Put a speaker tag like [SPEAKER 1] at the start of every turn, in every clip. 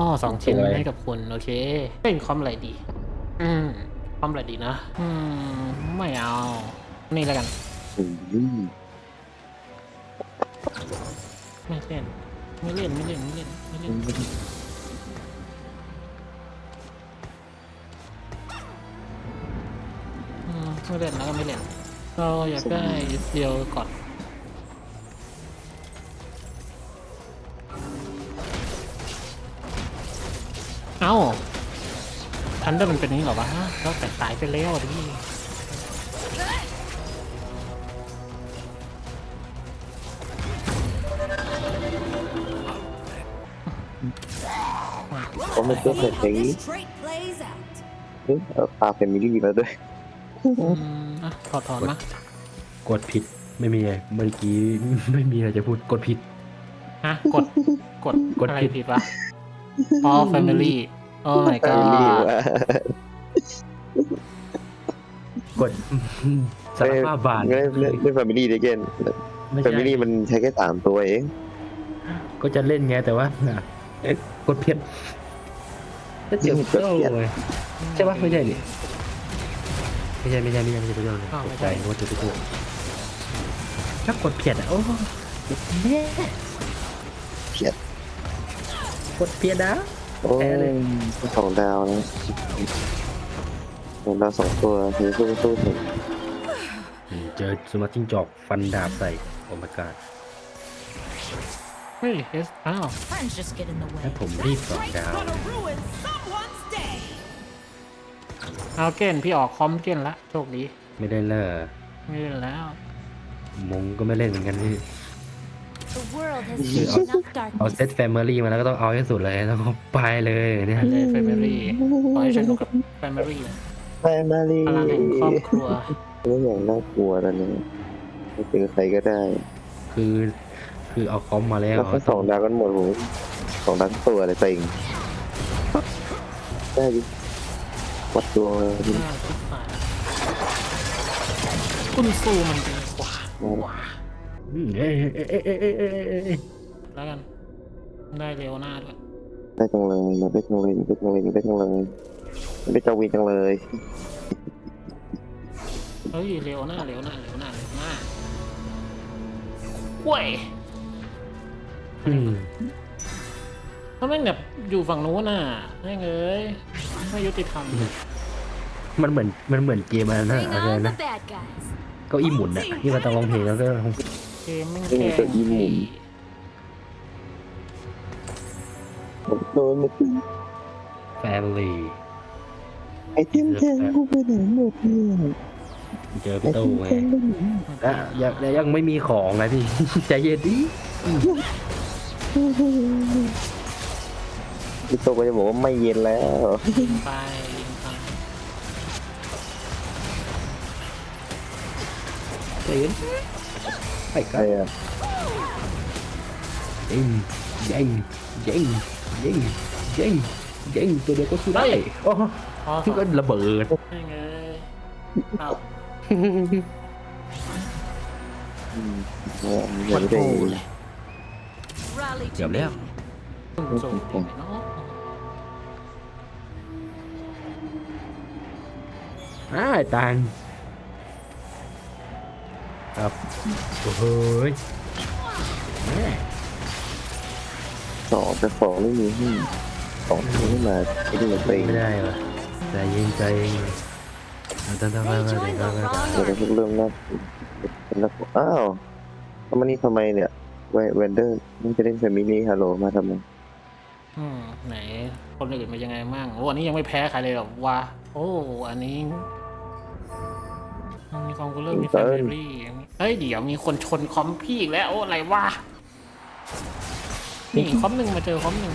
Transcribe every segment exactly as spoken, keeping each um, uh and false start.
[SPEAKER 1] สองชิ้นให้กับคุณโอเคเป็นคอมอะไรดีอืมคอมอะไรดีนะอืมไม่เอานี่แล้วกันไม่เล่นไม่เล่นไม่เล่นไม่เล่นไม่เล่นอืมไม่เล่นแล้วก็ไม่เล่นเราอยากได้เดียวก่อนเอ้าทันเดอร์มันเป็นนี้เหรอวะเราแต่ตายไปแล้วดิ
[SPEAKER 2] ก็ไม่เชื่อเลยอย่างนี้เฮ้ยเอาปลาแฟมิลี่มาด้วย
[SPEAKER 1] อืมอ่ะถอดถอนมาก
[SPEAKER 3] ดผิดไม่มีอะไรเมื่อกี้ไม่มีอะไรจะพูดกดผิด
[SPEAKER 1] ฮะกดกด
[SPEAKER 3] กด
[SPEAKER 1] อะไร
[SPEAKER 3] ผิด
[SPEAKER 1] ผิดวะอ๋อ family โอ้ my
[SPEAKER 2] แฟมิลี่
[SPEAKER 1] god
[SPEAKER 2] ว่าก
[SPEAKER 3] ดสารภาพบาท
[SPEAKER 2] ไม่ไม่ไม่แฟมิลี่เด็กเกน
[SPEAKER 3] ไม่
[SPEAKER 2] แฟ
[SPEAKER 3] ใช่
[SPEAKER 2] มิลี่มันใช้แค่สามตัวเอง
[SPEAKER 3] ก็จะเล่นไงแต่ว่าเอ๊ะกดผิดก็เจ็บเจ้าเลยใช่ปะไม่ใช่ดิไม่ใช่ไม่ใช่ไม่ใช่ไม่ใช่ไม่ใช่เลยตกใจว่าจะไปกดถ้ากดผิดอ่ะโอ้แย่
[SPEAKER 2] เพียด
[SPEAKER 3] กดผิดนะ
[SPEAKER 2] โอ้ยสองดาวนะสองดาวสองตัวคือสู้สู้ถึง
[SPEAKER 3] เจอสมาร์ทจิ้งจอกฟันดาบใส่โอ้ my god
[SPEAKER 1] เฮ้ยเอสอ้าว
[SPEAKER 4] Friends just get in the way.
[SPEAKER 3] ถ้าผมรีบสองดาว
[SPEAKER 4] ruin someone's day.
[SPEAKER 1] เอาเกนพี่ออกคอมเกนละโชคดี
[SPEAKER 3] ไม่ได้เลย
[SPEAKER 1] ไม่เล่นแล้ว
[SPEAKER 3] มงก็ไม่เล่นเหมือนกันพี่
[SPEAKER 4] The world has seen enough
[SPEAKER 3] เอา
[SPEAKER 4] darkness.
[SPEAKER 3] เซตแฟมิลี่มาแล้วก็ต้องเอาให้สุดเลยต้องเอาไปเลยเนี่ย
[SPEAKER 1] เลย family ขอให้ฉันดูกับ family
[SPEAKER 2] แฟมิลี่
[SPEAKER 1] พลังแห่งครอบครัว
[SPEAKER 2] ไม่อย่างน่ากลัวแล้วเนี่ยไม่เจอใครก็ได้
[SPEAKER 3] คือคือเอาคอมมาแล้ว
[SPEAKER 2] แล้วก็สองดาวกันหมดผมสองดาวตัวอะไรเต็งได้ดิวัดตัวดิ
[SPEAKER 1] น่าคิดว่าคุณซูมันดีกว่าว้า
[SPEAKER 3] อืมเอ้ยเอ้ยเอ้ยเอ้ยเอ้ยเอ้ยเอ้ยเอ้ย
[SPEAKER 1] แล้วกันได้เร็วหน้าด้วย
[SPEAKER 2] ได้จังเลยมาได้จังเลยได้จังเลยได้จังเลยได้จังวีจังเลย
[SPEAKER 1] เฮ้ยเร็วหน้าเร็วหน้าเร็วหน้าเร็วหน้าเว้ย
[SPEAKER 3] อืม
[SPEAKER 1] ถ้าแม่งแบบอยู่ฝั่งนู้นน่ะแม่งเอ้ยไม่ยุติธรรม
[SPEAKER 3] มันเหมือนมันเหมือนเกมอะไรนะ
[SPEAKER 4] Bring
[SPEAKER 3] อะไร
[SPEAKER 4] on
[SPEAKER 3] นะ
[SPEAKER 4] the bad guys.
[SPEAKER 3] เก็อีหมุนอ่ะที่มันต้องร้องเพลงแล้วก็
[SPEAKER 1] เกมแม่งแค่
[SPEAKER 2] ผมโดนมัน
[SPEAKER 3] แฟมิลี่
[SPEAKER 2] ไอเทมแทงกูไปไหนหมดเนี่ย
[SPEAKER 3] เจอ
[SPEAKER 2] ไอ
[SPEAKER 3] พี่
[SPEAKER 2] เท
[SPEAKER 3] โต้
[SPEAKER 2] ม
[SPEAKER 3] ไง
[SPEAKER 2] แทงไปไหน
[SPEAKER 3] อ่ะยังยังไม่มีของนะพี่ ใจเย็นดิ
[SPEAKER 2] พี่โตก็จะบอกว่าไม่เย็นแล้ว
[SPEAKER 1] ยิงไปยิงไป
[SPEAKER 3] ใจเย็นไปกั
[SPEAKER 2] ใคร
[SPEAKER 3] น
[SPEAKER 2] อ่ะ
[SPEAKER 3] ยิงยิงยิงยิงยิงยิงตัวเดียวก็สู้ได้โอ้
[SPEAKER 1] อ๋อ
[SPEAKER 3] ที่ก็ระเบิด
[SPEAKER 1] แม่งเอ้ยเอ้า
[SPEAKER 2] อืมอย่า
[SPEAKER 1] มัน
[SPEAKER 2] ไป
[SPEAKER 1] โผ
[SPEAKER 2] ได้
[SPEAKER 1] ล่เลย
[SPEAKER 4] Rally
[SPEAKER 3] เกือบ
[SPEAKER 4] to
[SPEAKER 3] แล้ว
[SPEAKER 4] me.
[SPEAKER 1] คุณซูเป็นไงเนาะ
[SPEAKER 3] อ่าตังครับโอ้โหยแม่
[SPEAKER 2] สองแต่สองไม่มีให้สองไม่มาไอ้นี่มันเต็ง
[SPEAKER 3] ไม่ได้ว่ะใจเย็นใจเย็นเอาตั้งตั้ง
[SPEAKER 4] They
[SPEAKER 3] ตั้งตั้ง
[SPEAKER 4] joined
[SPEAKER 3] ตั้
[SPEAKER 4] the
[SPEAKER 3] งตั้ง
[SPEAKER 4] wrong
[SPEAKER 2] เดี๋ยว
[SPEAKER 4] army.
[SPEAKER 2] เริ่มนับเป็นนักอ้าวทำไมนี่ทำไมเนี่ยเวนเดอร์นี่จะเล่นแฟมิลี่ฮัลโหลมาทำไม
[SPEAKER 1] อืมไหนคนอื่นเป็นยังไงมั่งโอ้อันนี้ยังไม่แพ้ใครเลยหรอวะโอ้อันนี้มีคอมกูเลอร์มีแฟมิลี่เฮ้ยเดี๋ยวมีคนชนคอมพี่อีกแล้วโอ้อะไรวะนี่คอมหนึ่งมาเจอคอมหนึ่ง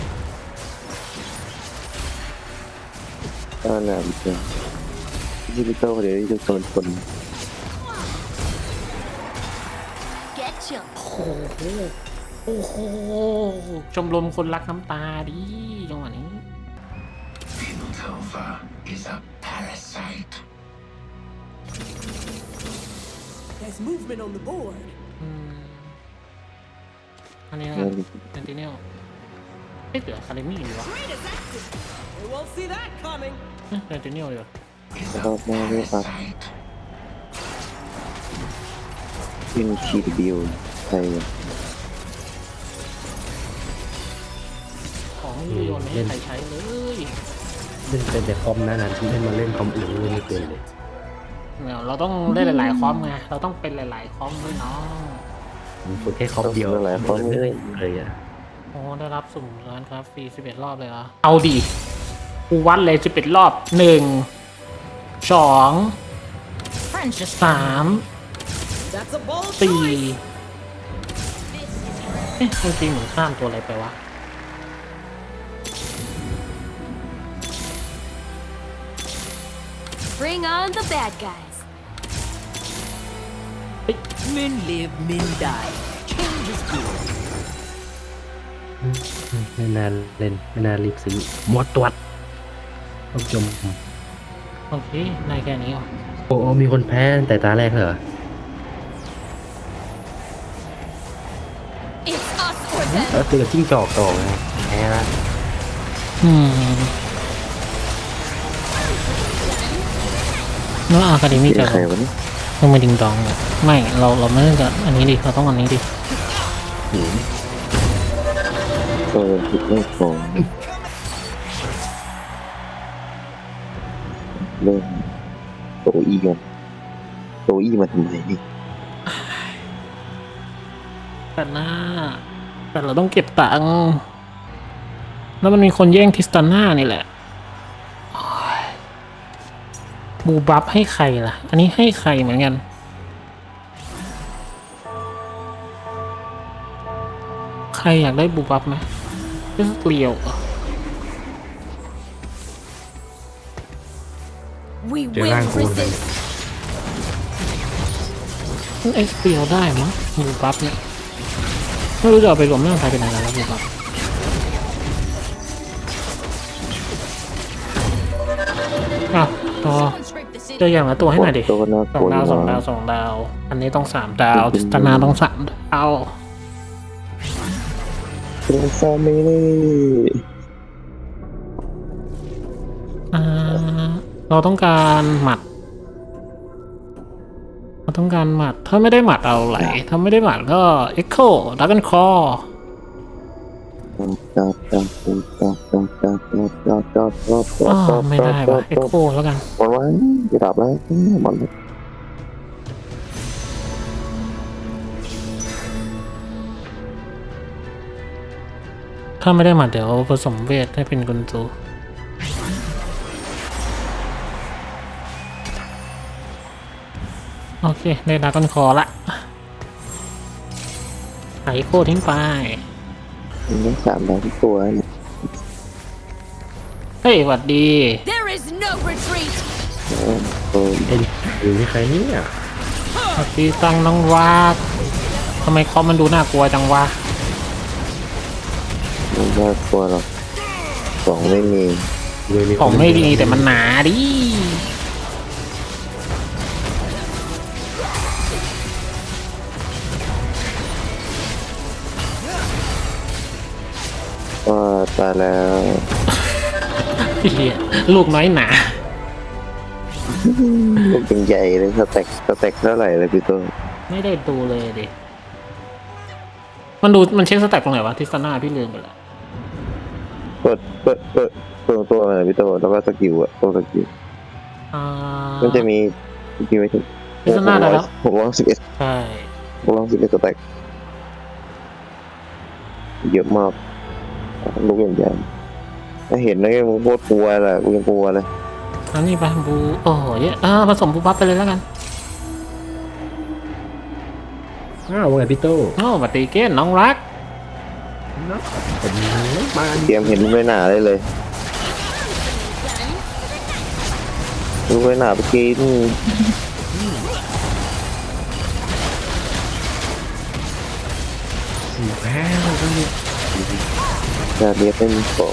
[SPEAKER 2] ก็น่าจะที่พี่โตเดี๋ยวจะโดนคน
[SPEAKER 4] Get chill.
[SPEAKER 1] โอ้โหโอ้โหชมรมคนรักน้ำตาดิจังหวะนี้
[SPEAKER 5] Piltover is a parasite.
[SPEAKER 6] There's movement on the board.
[SPEAKER 1] อืมอันนี้นะครับเซนติเนลโอเคอ๊ะเดี๋ยวคาเดมี่ดีวะ
[SPEAKER 6] Great is active. We won't see that coming.
[SPEAKER 1] เอ๊ะเดนเทเนียลดีวะ
[SPEAKER 5] is
[SPEAKER 2] Oh,
[SPEAKER 5] a
[SPEAKER 2] no, no, no.
[SPEAKER 5] parasite.
[SPEAKER 2] ยินทีบิวใครวะ
[SPEAKER 1] ของไม่มีโยนไม่ให้ใครใช้เลย
[SPEAKER 3] เล่นเป็นแต่คอมนะนานที่ให้มาเล่นคอมอื่นเล่นไม่เป็นเลย
[SPEAKER 1] เนี่ยเราต้องเล่นหลายๆคอมไงเราต้องเป็นหลายๆคอมด้วยเนาะ
[SPEAKER 3] ผมฝึกแค่คอมเดียวเลยอ่ะ
[SPEAKER 1] โอ้ได้รับสุ่มร้านครับฟรีสิบเอ็ดรอบเลยเหรอเอาดิกูวัดเลยสิบเอ็ดรอบหนึ่งสอง
[SPEAKER 4] Friends just
[SPEAKER 1] สาม
[SPEAKER 6] That's a bold
[SPEAKER 1] สี่
[SPEAKER 6] choice.
[SPEAKER 1] เอ๊ะจริงๆเหมือนข้ามตัวอะไรไปวะ
[SPEAKER 4] bring on the bad guys.
[SPEAKER 6] Men live, men die. Change is good.
[SPEAKER 3] ไม่นานเล่นไม่นานรีบซื้อหมดตรวจต้องจม
[SPEAKER 1] โอเคในแค่นี้เหรอ
[SPEAKER 3] โอ้มีคนแพ้แต่ตาแรกเหรอ
[SPEAKER 4] It's us or them.
[SPEAKER 3] แล้วตีกับจิ้งจอกต่อไงแพ้ละ
[SPEAKER 1] อืมแล้วอาคาเดมี่
[SPEAKER 2] เสีย
[SPEAKER 1] จะ
[SPEAKER 2] ใครวะเนี่ย
[SPEAKER 1] ต้องมาดิงดองเลยไม่เราเราไม่ต้องจะอันนี้ดิเราต้องอันนี้ดิ
[SPEAKER 2] เออผิดไม่ฟองเริ่มโตอีกันโตอีมาทำไมนี่
[SPEAKER 1] แต่หน้าแต่เราต้องเก็บตังค์แล้วมันมีคนแย่งทิสตาน่านี่แหละโอ้ยบูบัฟให้ใครล่ะ อันนี้ให้ใครเหมือนกันใครอยากได้บูบัฟไหมเรื่องเกลียวเหรอ
[SPEAKER 4] We
[SPEAKER 3] เจอ
[SPEAKER 4] will
[SPEAKER 3] ร่างกูเลย
[SPEAKER 4] resist.
[SPEAKER 1] เอ็กซ์เปียวได้มั้งบูบัฟเนี่ยไม่รู้จะเอาไปรวมร่างกายเป็นอะไรแล้วบูบัฟอ่ะต่อ
[SPEAKER 4] Someone scrape the city.
[SPEAKER 1] เจออย่างละตัวให้หน่อยดิ
[SPEAKER 2] ตัวน่า
[SPEAKER 1] ส
[SPEAKER 2] ก
[SPEAKER 1] อง
[SPEAKER 2] ลัว
[SPEAKER 1] ดาวสองดาวสองดาว อันนี้ต้องสามดาวทิสตานาต้องสามดาว
[SPEAKER 2] เป็นฟอร์มิลี่
[SPEAKER 1] อ่าเราต้องการหมัด เราต้องการหมัด ถ้าไม่ได้หมัดเอาไหล ถ้าไม่ได้หมัดก็เอ็กโคดักกันคอ
[SPEAKER 2] จับจับจับจับจับจับจับจับจับจับ
[SPEAKER 1] อ๋อ
[SPEAKER 2] จับ
[SPEAKER 1] ไม่ได้ว่ะเอ็กโคแล้วกัน
[SPEAKER 2] หมดไว้จะดับแล้วหมดแล้ว
[SPEAKER 1] ถ้าไม่ได้หมัดเดี๋ยวผสมเวทให้เป็นกุนซูโอเค ได้ดักกันคอละไอโคทิ้งไป
[SPEAKER 2] นี่สามดาวทุกตัวเนี่ย
[SPEAKER 1] เฮ้ยหวัดดี
[SPEAKER 4] There is no retreat.
[SPEAKER 2] เออ
[SPEAKER 3] ไอ้หรือนี่ใครเนี่ย
[SPEAKER 1] หวัดดีตังน้องวาดทำไมคอมมันดูน่ากลัวจังวะ
[SPEAKER 2] ไม่น่ากลัวหรอกสองไม่มี
[SPEAKER 3] เลยมี
[SPEAKER 1] ของไม่ดีแต่มันหนาดิ
[SPEAKER 2] ก็ตายแล้ว
[SPEAKER 1] เหี้ยลูกน้อยหนา
[SPEAKER 2] ลูกเป็นใหญ่เลยสเต็กสเต็กเท่าไหร่เลยพี่ตัว
[SPEAKER 1] ไม่ได้ดูเลยดิ มันดูมันเช็คสแต็กตรงไหนวะทิสตาน่าพี่ลืมไปแล้ว
[SPEAKER 2] เปิดเปิดเปิดเปิดตัวอะไรพี่ตัวแล้วก็สกิลอะตัวสกิล
[SPEAKER 1] อ่า
[SPEAKER 2] มันจะมีมีไม่ถึง
[SPEAKER 1] ทิสตาน่าได้แล้ว
[SPEAKER 2] หกร้อยสิบเอ็ด
[SPEAKER 1] ใช่
[SPEAKER 2] หกร้อยสิบเอ็ดสเต็กเยอะมากลูกใหญ่ๆถ้าเห็นแล้วก็โคตรกลัวแหละกูยังกลัวเลย
[SPEAKER 1] อันนี้ไปบู โอ้โหเยอะอ่าผสมบูบัฟไปเลยแล้วกัน
[SPEAKER 3] อ้าวว่าไงพี่โต้
[SPEAKER 1] โอ้บัตตีเกนน้องรัก
[SPEAKER 3] ผมมา
[SPEAKER 2] เตรียมเห็นลูกไม่หนาได้เลยลูกไม่หนาไปกิน
[SPEAKER 3] แพ้แล้วก็เนี่ย
[SPEAKER 2] จะเรียกไม่มีโป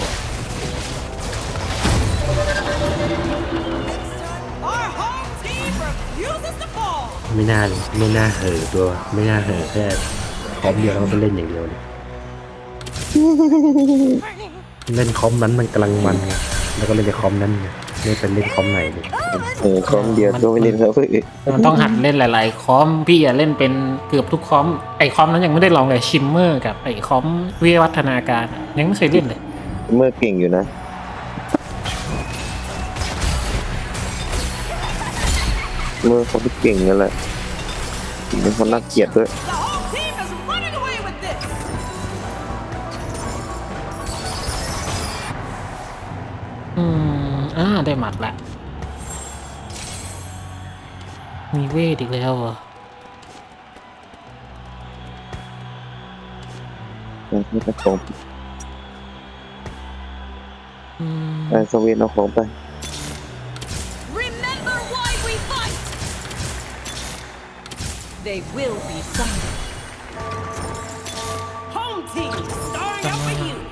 [SPEAKER 6] Our home team refuses to fall.
[SPEAKER 3] ไม่น่าเลยไม่น่าเห่อตัวไม่น่าเห่อแค่คอมเดียวแล้วก็ไปเล่นอย่างเดียวเลยเล่นคอมนั้นมันกำลังมันไงแล้วก็เล่นในคอมนั้นไงไม่เป็นเล่นคอมไหนเลย
[SPEAKER 2] เออคอมเดียวก็ไม่เล่นแล้วเพื่อน
[SPEAKER 1] มันต้องหัดเล่นหลาย ๆ คอมพี่อะเล่นเป็นเกือบทุกคอมไอคอมนั้นยังไม่ได้ลองเลยชิมเมอร์กับไอคอมวิวัฒนาการอะยังไม่เคยเล่นเลย
[SPEAKER 2] เมื่อเก่งอยู่นะเมื่อเขาเก่งนั่นแหละเป็นคนน่าเกลียดด้วย
[SPEAKER 6] The whole team is running away with this.
[SPEAKER 1] อืมอ่าได้หมัดละมีเวทอีกแล้วเหรอ
[SPEAKER 2] ไม่ต้องของ
[SPEAKER 1] อืม
[SPEAKER 2] ไอ้สวีนเอาของไป
[SPEAKER 4] Remember why we fight!
[SPEAKER 6] They will be silent. Home team starting out for you.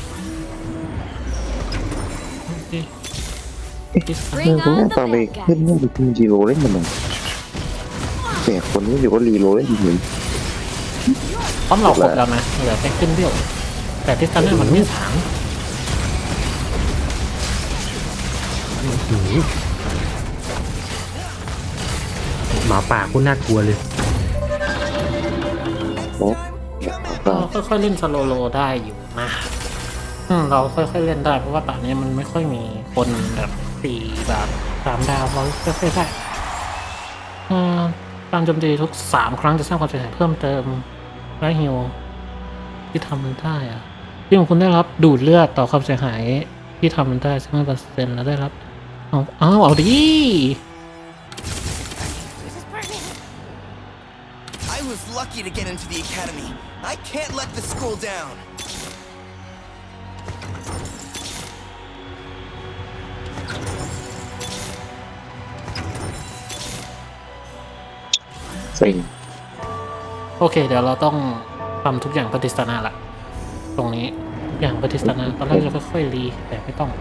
[SPEAKER 1] ดิส
[SPEAKER 2] เออ
[SPEAKER 4] Bring
[SPEAKER 2] คุณแม่
[SPEAKER 4] on
[SPEAKER 2] ตอน
[SPEAKER 4] the
[SPEAKER 2] ไป
[SPEAKER 4] bad
[SPEAKER 2] ขึ้น
[SPEAKER 4] guys.
[SPEAKER 2] เนี่ยไปขึ้นรีโรเล่นมันหน่อยแต่คนนี้อยู่ก็รีโรเล่นเหมือน
[SPEAKER 1] พร้อมเราครบแล้วนะเหลือแค่ขึ้นเดียวแต่ทิสตาน่ามันไม่สาม
[SPEAKER 3] หมาป่าโคตรน่ากลัวเลย
[SPEAKER 2] นะ
[SPEAKER 1] เราค่อยๆเล่นสโลโลได้อยู่นะอืมเราค่อยๆเล่นได้เพราะว่าตอนนี้มันไม่ค่อยมีคนแบบสี่แบบสามดาวเราค่อยๆได้อ่าการโจมตีทุกสามครั้งจะสร้างความเสียหายเพิ่มเติมและฮิวที่ทำมันได้อะที่ของคุณได้รับดูดเลือดต่อความเสียหายที่ทำมันได้สิบห้าเปอร์เซ็นต์แล้วได้รับเอาเอาเอาดิ
[SPEAKER 7] I was lucky to get into the academy. I can't let the school down.
[SPEAKER 2] เซ็ง
[SPEAKER 1] โอเค เดี๋ยวเราต้องทำทุกอย่างปฏิสถานะละตรงนี้ทุกอย่างปฏิสถานะตอนแรกจะค่อยๆรีแต่ไม่ต้อง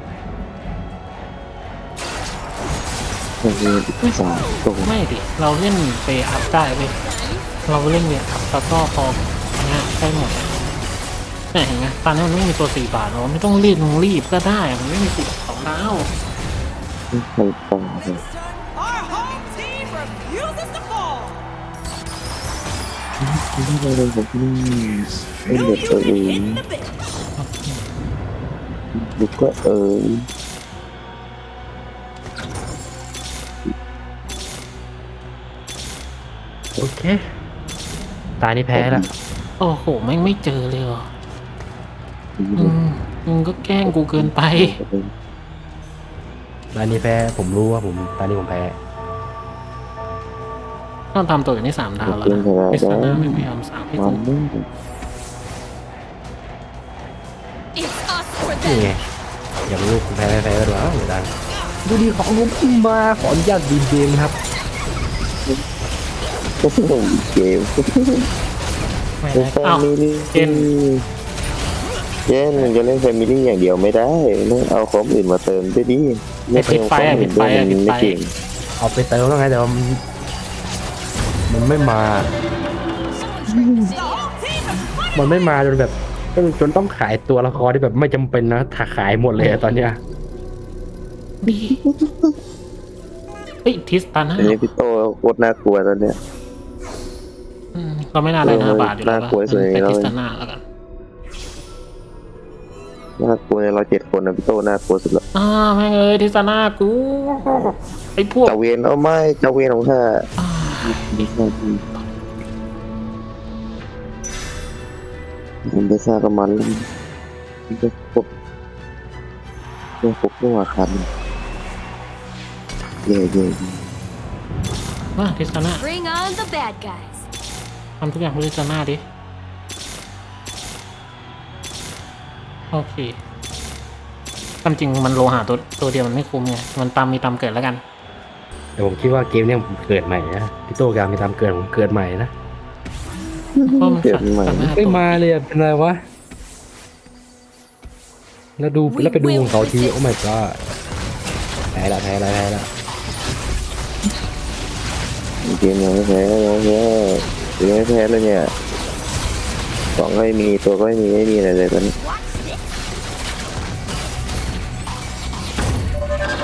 [SPEAKER 2] มันมีสามตรง
[SPEAKER 1] ไม่ดิ เราเล่นไปอัพได้เว้ยเราเล่นเวทอัพแล้วก็พอเนี่ยได้หมดแต่เห็นไหมตอนนี้มันไม่มีตัวสี่บาทเราไม่ต้องรีบมึงรีบก็ได้ มันไม่มีสิบสองดาว
[SPEAKER 2] ใครฟัง
[SPEAKER 6] Our home team refuses to fall.
[SPEAKER 2] ที่เราเล่นผมนี่เล่น
[SPEAKER 6] Feel
[SPEAKER 2] เด็ก
[SPEAKER 6] you
[SPEAKER 2] ตัวเอ
[SPEAKER 6] can
[SPEAKER 2] ง
[SPEAKER 6] hit the bit.
[SPEAKER 2] ลูกก็เออ
[SPEAKER 3] โอเค ตายนี่แพ้แล้ว
[SPEAKER 1] โอ้โหแม่งไม่เจอเลยเหรออืมมึงก็แกล้งกูเกินไป
[SPEAKER 3] ตายนี่แพ้ผมรู้ว่าผมตายนี่ผมแพ้
[SPEAKER 1] ต้องทำตัวอย่างนี้สามดาวแล้วนะปฏิสถานะไม่พยายามสามให้
[SPEAKER 2] มั
[SPEAKER 1] กู
[SPEAKER 2] นไม่
[SPEAKER 4] It's us or
[SPEAKER 3] นี่ไง
[SPEAKER 4] them.
[SPEAKER 3] อยากรู้ผมแพ้ไม่แพ้ก็ดูอ้าวเดี๋ยวดังดูดีของผมขึ้นมาขออนุญาตดีเกมครับ
[SPEAKER 2] ก็สนุกเกม
[SPEAKER 1] ไม่
[SPEAKER 2] เป็น
[SPEAKER 1] ได้
[SPEAKER 2] แฟ
[SPEAKER 1] อ้าว
[SPEAKER 2] มิลี่
[SPEAKER 1] เจน
[SPEAKER 2] เจนมันจะเล่นแฟมิลี่อย่างเดียวไม่ได้ต้องเอาของอื่นมาเติมด้วยดิไม่เติมของอื่นด้วยมันไม่เก่ง
[SPEAKER 3] เอาไปเติมแล้วไงแต่ว่ามันมันไม่มา
[SPEAKER 6] The whole team is running.
[SPEAKER 3] มันไม่มาจนแบบจนจนต้องขายตัวละครที่แบบไม่จำเป็นนะถ้าขายหมดเลยอะตอนเนี้ย
[SPEAKER 1] ดีเฮ้ยทิสตาน่า
[SPEAKER 2] อันนี้พี่โตโคตรน่ากลัวตอนเนี้ย
[SPEAKER 1] อืมเราไม่น่าได้ห้าบาทอยู่แล้ว
[SPEAKER 2] น่ากลัวสุดเลย
[SPEAKER 1] แต่
[SPEAKER 2] แล้ว
[SPEAKER 1] ทิสตาน่าแล้วกัน
[SPEAKER 2] น่ากลัวในเราเจ็ดคนนะพี่โตน่ากลัวสุดละ
[SPEAKER 1] อ่าแม่งเอ้ยทิสตาน่ากูไอ้พวก
[SPEAKER 2] เจ้าเวนเอาไม่เจ้าเวนของข้า
[SPEAKER 1] อ่า
[SPEAKER 2] ผมไปซากับมันแล้วมันจะพบจะพบตัวคันเย่เย่
[SPEAKER 1] ว่าทิสตาน่า
[SPEAKER 4] Bring on the bad guys.
[SPEAKER 1] ทำทุกอย่างเพื่อทิสตาน่าดิโอเคความจริงมันโลหะตัวตัวเดียวมันไม่คุ้มไงมันตามมีตามเกิดแล้วกัน
[SPEAKER 3] แต่ผมคิดว่าเกมเนี้ยผมเกิดใหม่นะพี่โตการมีตามเกิดผมเกิดใหม่นะ
[SPEAKER 1] เพราะมัน
[SPEAKER 2] เกิด
[SPEAKER 1] ขัด
[SPEAKER 2] ใหม่
[SPEAKER 1] กันหน้า
[SPEAKER 3] ไม่
[SPEAKER 1] ตัว
[SPEAKER 3] มาเลยอะเป็นไรวะแล้วดูแล้วไปดูของเขาทีโอ้ my god แพ้ละแพ้ละแพ้ละ
[SPEAKER 2] เกมยังไม่แพ้ยังไม่แพ้ยังไม่แพ้เลยเนี่ยของก็ไม่มีตัวก็ไม่มีไม่มีอะไรเลยตอนนี้
[SPEAKER 4] Watch this.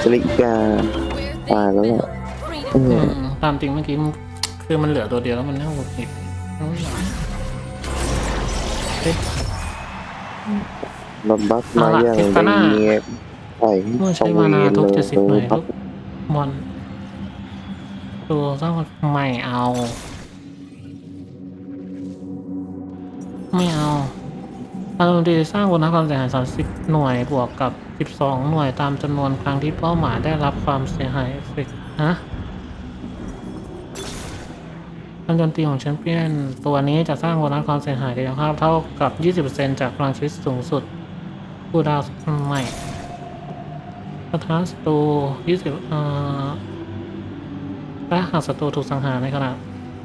[SPEAKER 2] สลิกา
[SPEAKER 4] Where
[SPEAKER 2] Ah,
[SPEAKER 4] they've
[SPEAKER 2] đúng
[SPEAKER 4] been.
[SPEAKER 2] rồi.
[SPEAKER 4] Freedom.
[SPEAKER 2] อื
[SPEAKER 1] อื
[SPEAKER 2] ม
[SPEAKER 1] มตามจริงเมื่อกี้มันคือมันเหลือตัวเดียวแล้วมันน่าหงุดหงิดเฮ้ย
[SPEAKER 2] มันบัฟมา
[SPEAKER 1] เอาล่ะ
[SPEAKER 2] อย่าง
[SPEAKER 1] ทิฟฟาน่า
[SPEAKER 2] เงียบไป
[SPEAKER 1] เมื่อ
[SPEAKER 2] ส
[SPEAKER 1] ใช้
[SPEAKER 2] วี
[SPEAKER 1] มานา
[SPEAKER 2] ท
[SPEAKER 1] ทุก
[SPEAKER 2] เลย
[SPEAKER 1] เจ็ดสิบหน่วย
[SPEAKER 2] บั
[SPEAKER 1] ทุ
[SPEAKER 2] ฟ
[SPEAKER 1] กมอนตัวสร้างไม่เอา ไม่เอาอารมณ์ดีสร้างบนนักความเสียหายสามสิบหน่วยบวกกับสิบสองหน่วยตามจำนวนครั้งที่เป้าหมายได้รับความเสียหายเอฟเฟกต์ฮะการโจมตีของแชมเปี้ยนตัวนี้จะสร้างโบนัสความเสียหายกายภาพเท่ากับ ยี่สิบเปอร์เซ็นต์ จากพลังชีวิตสูงสุดผู้ดาวใหม่สถานศัตรูยี่สิบเอ่อและหากศัตรูถูกสังหารในขณะ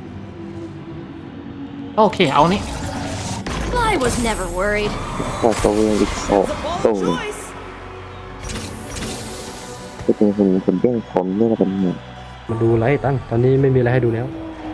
[SPEAKER 1] โอเค เอานี่
[SPEAKER 4] I was never worried.
[SPEAKER 2] พอสวีทอีกสองตัวจะเป็นคนคนแย่งผมเนี่ยเป็นไง
[SPEAKER 3] มาดูอะไรตั้งตอนนี้ไม่มีอะไรให้ดูแล้ว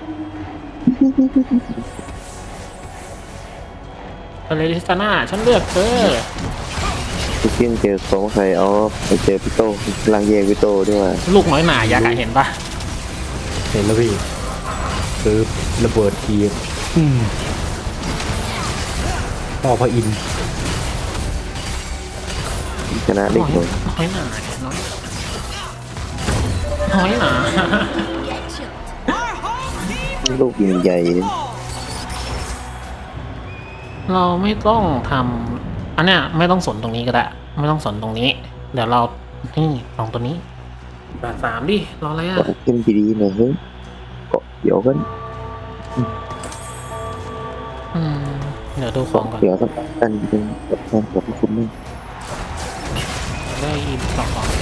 [SPEAKER 1] ทะเลทิสตาน่าฉันเลือกเธอ
[SPEAKER 2] พี่กินเจอของใครเอาไปเจอพี่โต้ลังแยกพี่โต้ด้วยว่า
[SPEAKER 1] ลูกน้อยหนาอยากอะเห็นปะ
[SPEAKER 3] เห็นแล้วพี่ซื้อระเบิดทีอืมต่อพระอินทร์
[SPEAKER 2] ชนะเด็กเลย
[SPEAKER 1] น้อยหนาน้อยน้อยหนา
[SPEAKER 4] Get chilled.
[SPEAKER 2] ลูกยิงใหญ่
[SPEAKER 1] เราไม่ต้องทำอันเนี้ยไม่ต้องสนตรงนี้ก็ได้ไม่ต้องสนตรงนี้ เดี๋ยวเรานี่ลองตัวนี้ด่านสามดิรออะไรอ่ะ
[SPEAKER 2] ขึ้นดีๆหน่อยเฮ้ยเกาะเขียวกัน
[SPEAKER 1] อืมเดี๋ยวดูของก่อน
[SPEAKER 2] เขียวสักอันเป็นกับแทนกับคุณนี่
[SPEAKER 1] ได้อีกสองของ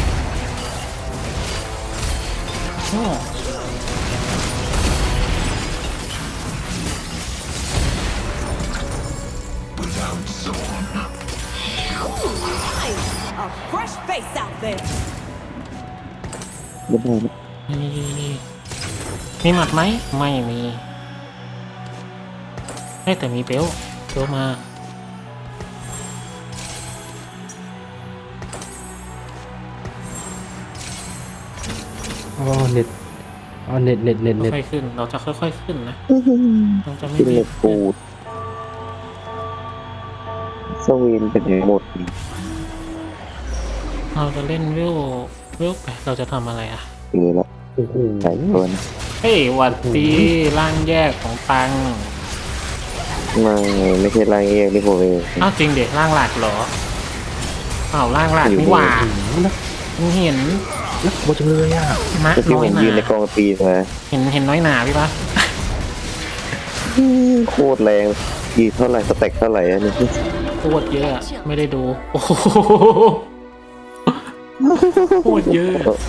[SPEAKER 1] โอ้
[SPEAKER 6] A fresh face out there.
[SPEAKER 2] ไม่ได้นะ
[SPEAKER 1] นี่มีหมัดไหมไม่มีเฮ้ยแต่มีเปลวเปลวมา
[SPEAKER 3] อ๋อเน็ตอ๋อเน็ตเน็ตเน็ตเน็ต
[SPEAKER 1] ค่อยๆขึ้น เราจะค่อยๆขึ้นนะเราจะไม่
[SPEAKER 2] กิน
[SPEAKER 1] รี
[SPEAKER 2] เล็
[SPEAKER 1] บ
[SPEAKER 2] กปูดสวีนเป็นหมด
[SPEAKER 1] เราจะเล่นวิววิวไปเราจะทำอะไรอ่ะ
[SPEAKER 2] เออละ
[SPEAKER 3] โอ้โห
[SPEAKER 2] ใส่ตัวนะ
[SPEAKER 1] เฮ้ยหวัดดีร่างแยกของตัง
[SPEAKER 2] ไม่ไม่ใช่ลายเองที่ผมเอง
[SPEAKER 1] อ้าวจริงเด็กร่างหลักเหรออ้าวร่างหลักนี่หว่ามึงเห็น
[SPEAKER 3] นักโบจังเลยอ่ะ
[SPEAKER 1] มะ
[SPEAKER 2] ก็ที่
[SPEAKER 1] น้อ
[SPEAKER 2] ผ
[SPEAKER 1] ย
[SPEAKER 2] ม
[SPEAKER 1] หนา
[SPEAKER 2] ยืนในกองตีนมา
[SPEAKER 1] เห็นเห็นน้อยหนาพี่ปะ
[SPEAKER 2] โคตรแรงยีเท่าไหร่สเต็กเท่าไหร่อันนี้
[SPEAKER 1] โคตรเยอะไม่ได้ดูโอ้โหโคตรเยอะ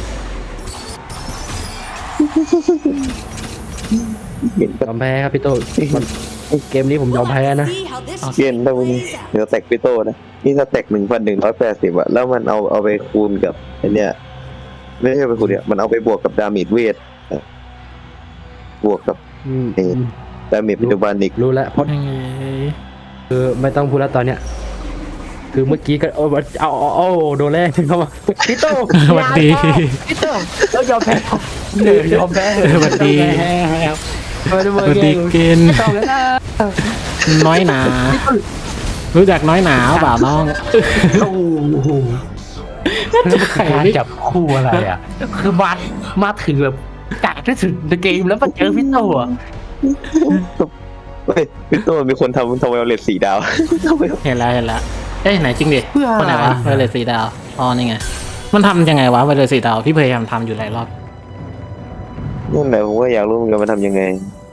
[SPEAKER 2] เห็น
[SPEAKER 3] ยอมแพ้ครับพี่โต้มันเกมนี้ผมยอมแพ้นะ
[SPEAKER 6] See how this
[SPEAKER 2] เย็นได้วันนี้เดี๋ยวสเต็กพี่โต้นะนี่สเต็กหนึ่งพันหนึ่งร้อยแปดสิบอะแล้วมันเอาเอาไปคูณกับไอเนี้ยไม่ใช่ไปคูณเนี่ยมันเอาไปบวกกับดาเมจเวทบวกกับ
[SPEAKER 3] อืม
[SPEAKER 2] เอ๊ะ ดาเมจปัจจุบันอีก
[SPEAKER 3] รู้แล้วเพราะ
[SPEAKER 1] ยังไง
[SPEAKER 3] คือไม่ต้องพูดแล้วตอนเนี้ยคือเมื่อกี้ก็เอาเอาเอาเอาโดนแรกเข้ามาพี่โต้
[SPEAKER 1] สวัสดี
[SPEAKER 3] พี่โต้แล้วยอมแพ้เออยอมแพ้
[SPEAKER 1] สวัสดี
[SPEAKER 3] ไม่ได้
[SPEAKER 1] ส
[SPEAKER 3] เบอ
[SPEAKER 1] วัส
[SPEAKER 3] ร์เก
[SPEAKER 1] ดี
[SPEAKER 3] ม
[SPEAKER 1] เกณฑ์
[SPEAKER 3] ต้องแล้วนะ
[SPEAKER 1] น้อยหนา รู้จักน้อยหนาเปล่าน้อง
[SPEAKER 3] โอ้โหแล้วมันคือการจับคู่อะไรอ่ะ คือมามาถึงแบบกากที่สุดในเกมแล้วมาเจอพี่โต้อะ
[SPEAKER 2] เฮ้ยพี่โต้มีคนทำทำไวโอเลตสีดาว
[SPEAKER 1] เห็นแล้วเห็นแล้วเอ้ยไหนจริงดิคนไหนวะไวเลสสีดาวอ๋อนี่ไงมันทำยังไงวะไวเลสสีดาวพี่พยายามทำอยู่หลายรอบ
[SPEAKER 2] นั่นแหละผมก็อยากรู้เหมือนกันมันทำยังไง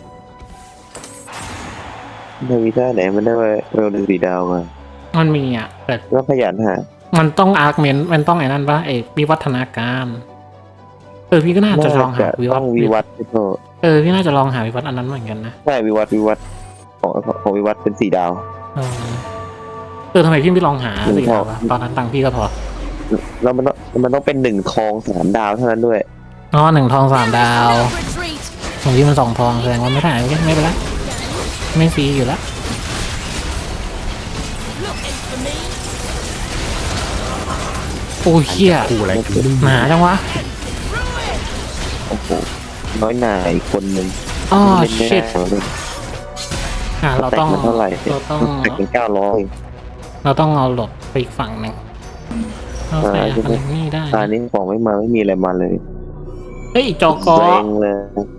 [SPEAKER 2] ในวิธีไหนมันได้ไวโอเลตสีดาวมา
[SPEAKER 1] มันมีอ่ะแต่
[SPEAKER 2] ก็ขยันหา
[SPEAKER 1] มันต้องอาร์คเมนต์มันต้องไอ้นั่นปะไอ้วิวัฒนาการเออพี่ก็น่าจะลองหาวิวั
[SPEAKER 2] ต้
[SPEAKER 1] ฒ
[SPEAKER 2] องวิวัฒน์พี่โต้
[SPEAKER 1] เออพี่น่าจะลองหาวิวัฒน์อันนั้นเหมือนกันนะ
[SPEAKER 2] ใช่วิวัฒน์วิวัฒน์ของของวิวัฒน์เป็นสีดาว
[SPEAKER 1] เออเออทำไมพี่ไม่ลองหา
[SPEAKER 2] หนึ่ง
[SPEAKER 1] สีดาว
[SPEAKER 2] พอ
[SPEAKER 1] วะตอนนั้นตังค์พี่ก็พอ
[SPEAKER 2] แล้วมันต้องมันต้องเป็นหนึ่งทองสามดาวเท่านั้นด้วย
[SPEAKER 1] อ๋อหนึ่งทองสามดาว
[SPEAKER 4] Retreat.
[SPEAKER 1] ของพี่มันสองทองแสดงว่าไม่ได้ไม่ไม่เป็นไรไม่ฟรีอยู่แล้ว
[SPEAKER 4] Looking for me.
[SPEAKER 1] โอ้อ้ยเหี้ย
[SPEAKER 3] คู่อะไรกันนี่
[SPEAKER 1] หนาจังวะ
[SPEAKER 2] โอ้โหน้อยหนาอีกคนหนึ่ง
[SPEAKER 1] อ๋อ
[SPEAKER 2] เล่นไม่
[SPEAKER 1] ชิ
[SPEAKER 2] ได้
[SPEAKER 1] ต
[SPEAKER 2] เลย
[SPEAKER 1] อ่ะเรา
[SPEAKER 2] แต่
[SPEAKER 1] ต้อง
[SPEAKER 2] มันเท่าไหร่
[SPEAKER 1] เราต้อง
[SPEAKER 2] แต่เป็นเก้าร้อย
[SPEAKER 1] เราต้องเอาหลบไปอีกฝั่งหนึ่งโอเคอันนี้ได้
[SPEAKER 2] ตานี้ของไม่มาไม่มีอะไรมาเลย
[SPEAKER 1] เฮ้ยจอกอ
[SPEAKER 2] แรงเลย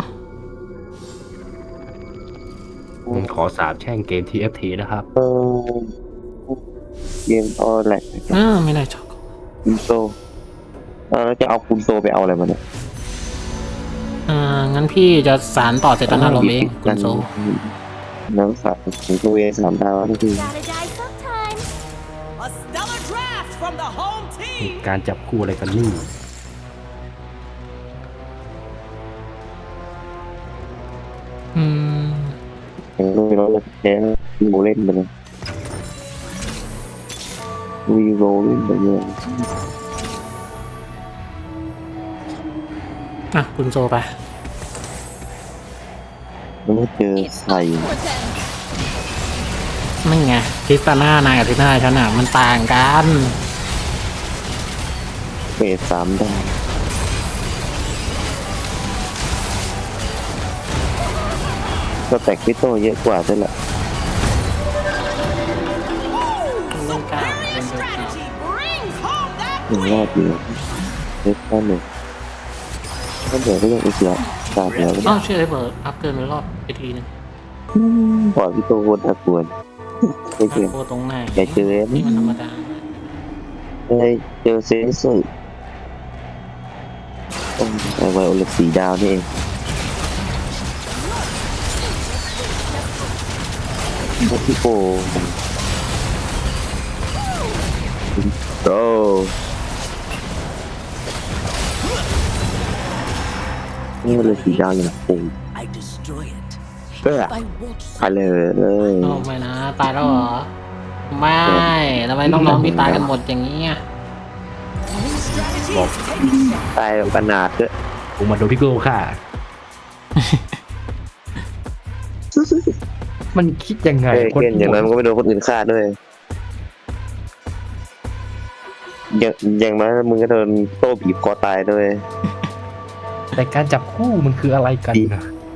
[SPEAKER 3] ผมขอสาบแช่งเกม ที เอฟ ที นะครับ
[SPEAKER 2] เออเกมออแลก
[SPEAKER 1] อ่าไม่ได้จอกอ
[SPEAKER 2] คุณโซอ่าแล้วจะเอาคุณโซไปเอาอะไรมาเนี่ย
[SPEAKER 1] อ่างั้นพี่จะสารต่อเจตนาเราเองคุณโซ
[SPEAKER 2] น้ำสัตว์ถึงตัวเองสามดาวทุกที
[SPEAKER 4] Gotta die sometime.
[SPEAKER 6] A stellar draft from the home team.
[SPEAKER 3] การจับคู่อะไรกันนี่
[SPEAKER 1] อืม
[SPEAKER 2] ยังรู้แล้วเลยแพ้วีโรเล่นไปเลยวีโรเล่นไปเลย
[SPEAKER 1] อ่ะคุณโซไป
[SPEAKER 2] แล้วก็เจอ
[SPEAKER 4] It's
[SPEAKER 2] ใส่
[SPEAKER 4] up for them.
[SPEAKER 1] ไม่ไงคริสตาน่านายกับทิน่าฉันอ่ะมันต่างกัน
[SPEAKER 2] เฟสสามดาวก็แตกพิโตเยอะกว่าใช่แหละ
[SPEAKER 1] เล่นกล้าเล่น
[SPEAKER 6] Superior
[SPEAKER 1] เล่นกล้า
[SPEAKER 6] strategy brings home that
[SPEAKER 2] หนึ่งรอบเดียวเล็กแค่หนึ่งก็เดี๋ยวก็ยังอีกเยอะตาเดียว
[SPEAKER 1] อ้าวเชื่อไอ้เบิร์ดอัพเกินไปรอบไปทีนึง
[SPEAKER 2] ปล่อยพิโตโคตรน่ากลัวไม่เจอ
[SPEAKER 1] โคตรงไหน
[SPEAKER 2] อย่าเจอ
[SPEAKER 1] นี่มันธรรมดา
[SPEAKER 2] เลยเจอเซนส์สุดไอไวโอเลตสีดาวนี่เองพี่โปโตนี่มันเลยสีดาวอยู่นะโอ้
[SPEAKER 6] I destroy it.
[SPEAKER 2] เพื่อ
[SPEAKER 6] I won't
[SPEAKER 2] ไปเลยเลย
[SPEAKER 1] โอ้ไม่นะตายแล้วเหรอไม่ทำไมน้องๆพี่ตายกันหมดอย่างนี้อ่ะ
[SPEAKER 6] strategy is taking
[SPEAKER 2] ตายแบบขนาดด้วย
[SPEAKER 3] ผมมาโดนพี่โก้ค่ะ มันคิดยังไง
[SPEAKER 2] เอ้ยเกนอย่างนั้นมันก็ไม่โดนคนอื่นฆ่าด้วยอย่างอย่างนั้นมึงก็โดนโต้บีบคอตายด้วย
[SPEAKER 3] แต่การจับคู่มันคืออะไรกันนะ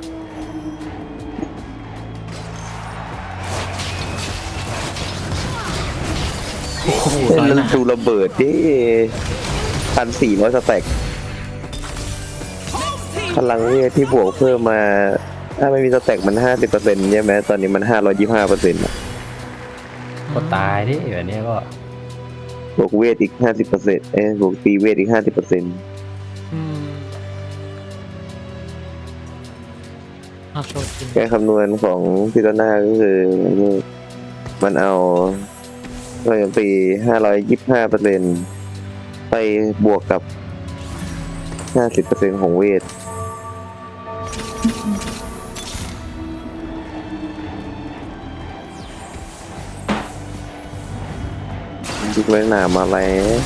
[SPEAKER 1] โอ้โห
[SPEAKER 2] เล่น
[SPEAKER 1] น้อย
[SPEAKER 2] แล้ว
[SPEAKER 1] หนา
[SPEAKER 2] ดูระเบิดดิพันสี่ร้อยสแต็ก
[SPEAKER 6] home team.
[SPEAKER 2] พลังเนี่ยที่บวกเพิ่มมา ถ้าไม่มีสแต็กมันห้าสิบเปอร์เซ็นต์ใช่ไหมตอนนี้มันห้าร้อยยี่ห้าเปอร์เซ็นต์
[SPEAKER 3] ก็ตายดิแบบนี้ก็
[SPEAKER 2] บวกเวทอีกห้าสิบเปอร์เซ็นต์เอ้ยบวกตีเวทอีกห้าสิบเปอร์เซ็นต์
[SPEAKER 1] อืมเอาโชว์จริง
[SPEAKER 2] แก้คำนวณของพิตาน่าก็คือมันเอาโจมตีห้าร้อยยี่สิบห้าเปอร์เซ็นต์ไปบวกกับห้าสิบเปอร์เซ็นต์ของเวท ยุกเลยหนามาแล้ว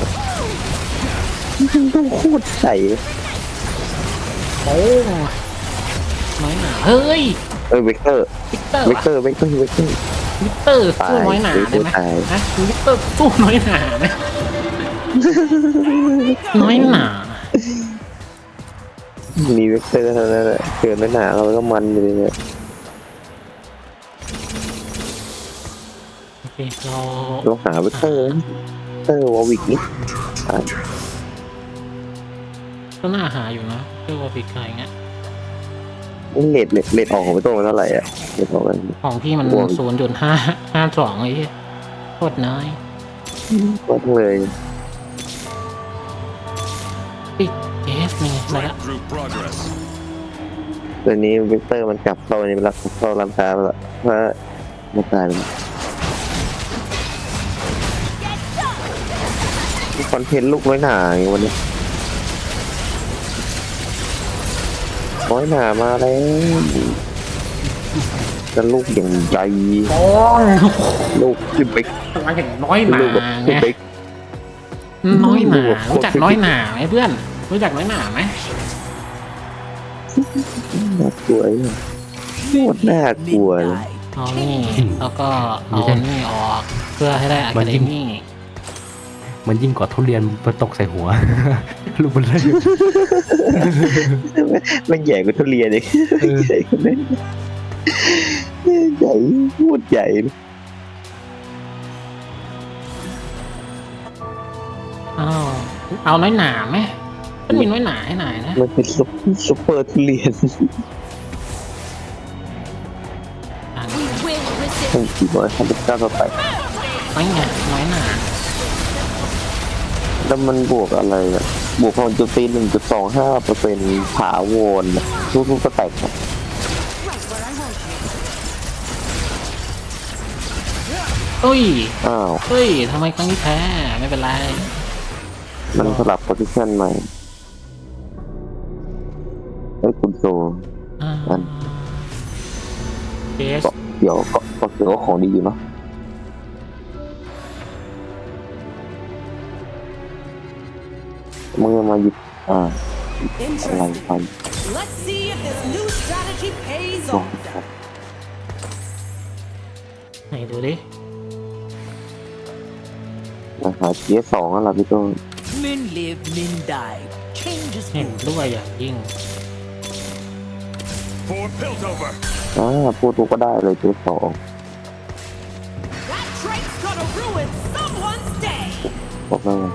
[SPEAKER 2] ต้องโคตรใส
[SPEAKER 1] โอ้น้อยหนาเฮ้ย
[SPEAKER 2] เออเวกเตอร์
[SPEAKER 1] วิกเตอร์
[SPEAKER 2] เวก
[SPEAKER 1] วะ
[SPEAKER 2] เตอร์เวกเตอร์เวกเตอร์
[SPEAKER 1] วิกเตอร์สู้น้อยหนาได้ไหม
[SPEAKER 2] ตาย
[SPEAKER 1] ฮะวิกเตอร์สู้น้อยหนาไหมน้อยหนา
[SPEAKER 2] มีเวกเตอร์เท่านั้นแหละเกิดไม่หนาเราก็มันอยู่เลยเนี่ย
[SPEAKER 1] โอเคเรา
[SPEAKER 2] เราหาเวกเตอร์เวกเตอร์วอลวิกนี่ตาย
[SPEAKER 1] ก็น่าหาอยู่นะเรื่องว่าพิกอะไรเงี้ย
[SPEAKER 2] นี่เลดเลดเลดออกของไปตัวมันเท่าไหร่อ่ะเลดออกกัน
[SPEAKER 1] ของพี่มัน
[SPEAKER 2] โอ้ย
[SPEAKER 1] ศูนย์จุดห้าห้าสองไอ้เหี้ยโคตรน้อย
[SPEAKER 2] ก็ทั้งเลย
[SPEAKER 1] ปิดเอสนี่มาละ
[SPEAKER 5] Group progress.
[SPEAKER 2] ตัวนี้เวกเตอร์มันกลับเข้าในรักเข้าร้านค้าไปละเพราะมันตายไปคอนเทนต์ลูกน้อยหนาอย่างวันนี้น้อยหนามาแล้วจะลูกอย่างใหญ่
[SPEAKER 1] โอ้ย
[SPEAKER 2] ลูกขึ้นไป
[SPEAKER 1] มาอย่างน้อยหนา
[SPEAKER 2] ลูกแบบ
[SPEAKER 1] ไง
[SPEAKER 2] ขึ้นไป
[SPEAKER 1] น้อยหนา
[SPEAKER 2] ลูกแบบโคตร
[SPEAKER 1] รู้จักน้อยหนาไหมเพื่อน รู้จักน้อยหนาไหม
[SPEAKER 2] น่ากลัวเนี่ยโคตรน่ากลัวเลย
[SPEAKER 6] Midnight.
[SPEAKER 1] เอานี่แล้วก็เอานี่ออกเพื่อให้ได้อะคาเดมี่
[SPEAKER 3] มันยิ่งกว่าทุเรียนมาตกใส่หัว ลูกมันเลย
[SPEAKER 2] มันใหญ่กว่าทุเรียนเลย
[SPEAKER 3] เออ
[SPEAKER 2] ใหญ่กว่านั้นใหญ่พูดใหญ่
[SPEAKER 1] อ้าวเอาน้อยหนาไหมมันมีน้อยหนาให้หน่อยนะ
[SPEAKER 2] มันเป็นซุปซุปเปอร์ทุเรียน
[SPEAKER 1] อ่ะ
[SPEAKER 4] We will resist.
[SPEAKER 2] ทั้งสี่ร้อยห้าสิบเก้าต่อไป
[SPEAKER 1] น้อยไงน้อยหนา
[SPEAKER 2] แล้วมันบวกอะไรอ่ะ บวกพลังโจมตีหนึ่งจุดสองห้าเปอร์เซ็นต์ถาวรนะทุกๆก็แตกอะ
[SPEAKER 1] เอ้ย
[SPEAKER 2] อ้าว
[SPEAKER 1] เฮ้ยทำไมครั้งนี้แพ้ไม่เป็นไร
[SPEAKER 2] มันสลับโพซิชันใหม่ไอ้ยคุณโซ
[SPEAKER 1] อ่า
[SPEAKER 2] อัน
[SPEAKER 1] เบส
[SPEAKER 2] เกาะเขียวเกาะเกาะเขียวก็ของดีอยู่เนาะมึงจะมาหยิบอ่าอะไรไป
[SPEAKER 6] Let's see if this new strategy pays
[SPEAKER 2] ลอง
[SPEAKER 6] off.
[SPEAKER 2] ครับ
[SPEAKER 1] ไหนดูดิ
[SPEAKER 2] มาหาเทียสองแล้วล่ะพี่ต้น
[SPEAKER 6] Men live, men die. Change is
[SPEAKER 1] เห็น
[SPEAKER 6] good.
[SPEAKER 1] ด้วยอย่างยิ่ง
[SPEAKER 5] For Piltover!
[SPEAKER 2] อ่าพูดตัวก็ได้เลยเทียสอง
[SPEAKER 6] That trait's gonna ruin someone's day.
[SPEAKER 2] บอกว่าไง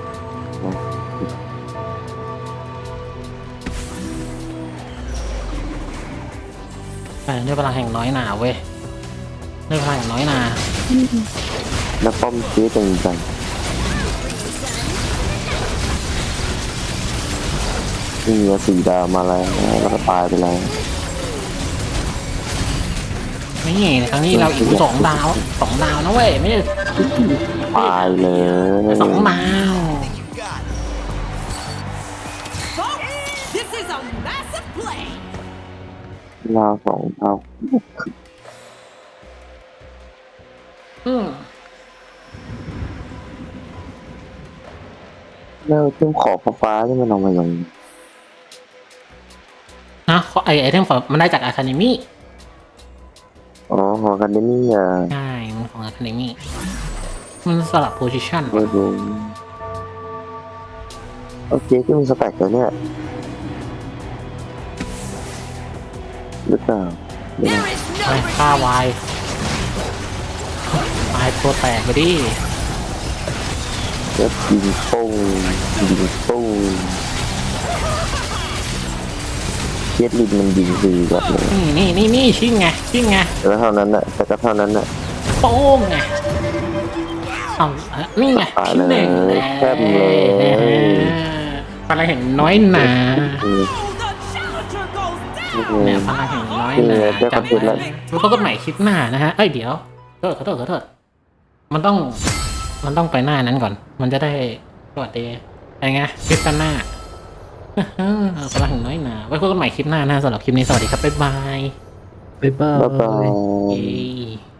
[SPEAKER 1] แต่ด้วยพลังแห่งน้อยหนาเว้ยด้วยพลังแห่งน้อยหนา
[SPEAKER 2] แล้วป้อมเทียจริงจังนี่ไงสี่ดาวมาแล้วแล้วก็ตายไปแล้ว
[SPEAKER 1] นี่ครั้งนี้เราอีกสองดาวสองดาวนะเว้ยไม่ใช่
[SPEAKER 2] ตายเลย
[SPEAKER 1] สองดาว
[SPEAKER 7] You got it.
[SPEAKER 6] Folks, this is a massive play.
[SPEAKER 2] ดาวสองดาว
[SPEAKER 1] อืม
[SPEAKER 2] แล้วเครื่องขอบฟ้าๆที่มันเอามาอย่าง
[SPEAKER 1] นะเขาไอไอเทมของมันได้จากอะคาเดมี่
[SPEAKER 2] อ๋อหอกันนี่อ่ะ
[SPEAKER 1] ใช่มันของอะคาเดมี่มันสลับโพซิชัน
[SPEAKER 2] ไม่รู้โอเคที่มีสแต็กแล้วเนี่ยหรือเปล่าเดี๋ยว
[SPEAKER 4] There
[SPEAKER 2] นะ
[SPEAKER 4] is
[SPEAKER 1] ไป
[SPEAKER 4] no
[SPEAKER 1] ฆ่าวายตายตัวแตกไปดิ
[SPEAKER 2] เดี๋ยวยิงปุ้งยิงปุ้งเย็ดลินมันยิงดีแบบเลย
[SPEAKER 1] นี่นี่นี่นี่ชิ่งไงชิ่งไง
[SPEAKER 2] แต่ก็เท่านั้นน่ะแต่ก็เท่านั้นน่ะ
[SPEAKER 1] โป้งไงเอาอ่ะนี่ไง
[SPEAKER 2] ตาย
[SPEAKER 1] ชิ้น
[SPEAKER 2] เล
[SPEAKER 1] หนึ่ง
[SPEAKER 2] ยแซ่บเลย
[SPEAKER 1] พลังแห่งน้อยหนา
[SPEAKER 2] อืม
[SPEAKER 6] Oh, the challenger goes down.
[SPEAKER 1] เนี่ยพลังแห่งน้อยหนา
[SPEAKER 2] เออเจ้า
[SPEAKER 1] จำ
[SPEAKER 2] คอนเทนต์แล้
[SPEAKER 1] ไว้
[SPEAKER 2] ว
[SPEAKER 1] รู้เขาก็ใหม่คลิปหน้านะฮะเอ้ยเดี๋ยวขอโทษขอโทษขอโทษมันต้อง มันต้องไปหน้านั้นก่อน มันจะได้สวัสดีไงไงคลิปหน้า พลังแห่งน้อยหนาไว้พบกันใหม่คลิปหน้านะสำหรับคลิปนี้สวัสดีครับบ๊ายบาย
[SPEAKER 3] บ๊ายบา
[SPEAKER 2] บ๊ายบาย
[SPEAKER 1] เย้